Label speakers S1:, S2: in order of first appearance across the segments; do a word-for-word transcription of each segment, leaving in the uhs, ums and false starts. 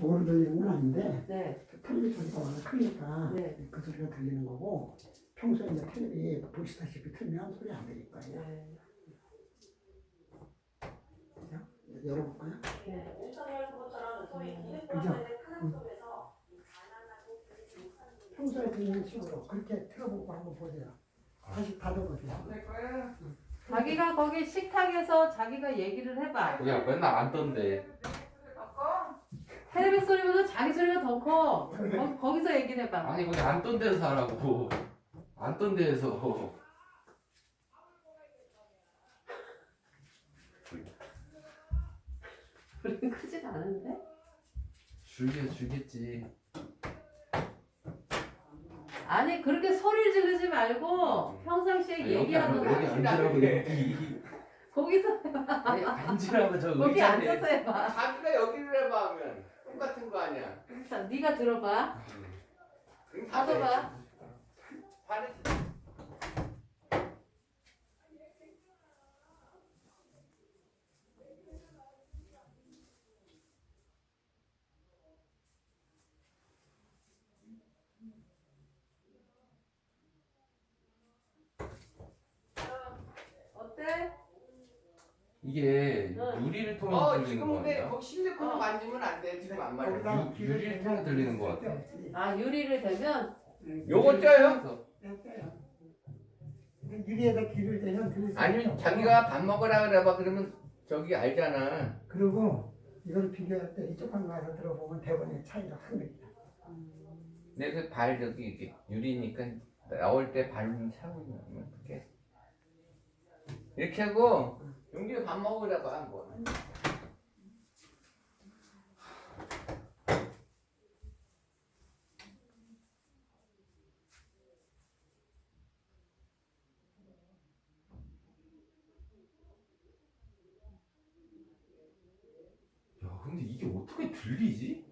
S1: 저거로 들리는 건 아닌데
S2: 네.
S1: 텔레비 소리가 워낙 크니까
S2: 네.
S1: 그 소리가 들리는 거고 평소에 이제 텔레비 보시다시피 틀면 소리 안 들릴 거예요.
S2: 네.
S1: 그죠? 열어볼까요?
S2: 네.
S1: 그죠? 음. 평소에 듣는 식으로 그렇게 틀어보고 한번 보세요. 다시 닫아보세요.
S2: 자기가 거기 식탁에서 자기가 얘기를 해봐.
S3: 야 맨날 안 떤대.
S2: 텔레비 소리보다 자기 소리가 더 커. 거, 거기서 얘기를 해봐.
S3: 아니 거기 안 떤 데서 하라고. 안 떤 데에서.
S2: 소리는 크진 않은데?
S3: 줄게 주겠지.
S2: 아니 그렇게 소리를 지르지 말고 평상시에
S3: 아니, 여기
S2: 얘기하는
S3: 앉-
S2: 거
S3: 여기 앉으라고 여기.
S2: 거기서
S3: 아니 앉으라고 저
S2: 거기
S3: 의자에.
S2: 앉아서 해봐.
S4: 자기가 여기를 해봐 하면 똑같은 거 아니야.
S2: 자, 네가 들어봐.
S4: 그럼 다
S2: 받아봐.
S4: 돼. 받으시.
S2: 어때?
S3: 이게
S2: 응.
S3: 유리를 통해서
S4: 어
S3: 들리는
S4: 지금
S3: 거
S4: 근데
S3: 아니야?
S4: 거기 실리콘
S2: 어.
S4: 만지면 안 돼. 지금 안 말해.
S1: 거기다
S3: 유- 유리를 통해 들리는 것 같아.
S2: 아 유리를 대면
S4: 요거 쪄요?
S1: 떼요. 유리에다 귀를 대면 들릴 수
S4: 아니면
S1: 있죠.
S4: 자기가 밥 먹으라 그래봐. 그러면 저기 알잖아.
S1: 그리고 이걸 비교할 때 이쪽 한 가서 들어보면 대본의 차이가 확 납니다.
S4: 내 발 저기 이렇게 유리니까 나올 때 발좀 차고 있으면 어떡해. 이렇게 하고 용기가 밥 먹으라고 한 거.
S3: 야 근데 이게 어떻게 들리지?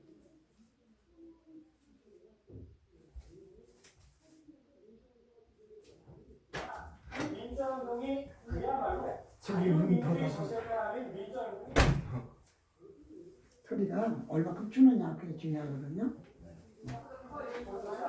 S5: 민정동이 그야말로
S1: 저기 눈이 더
S5: 자유민주주의
S1: 닫아.
S5: 소재가 아닌 민정동이
S1: 소리가 얼마큼 주느냐 그게 중요하거든요.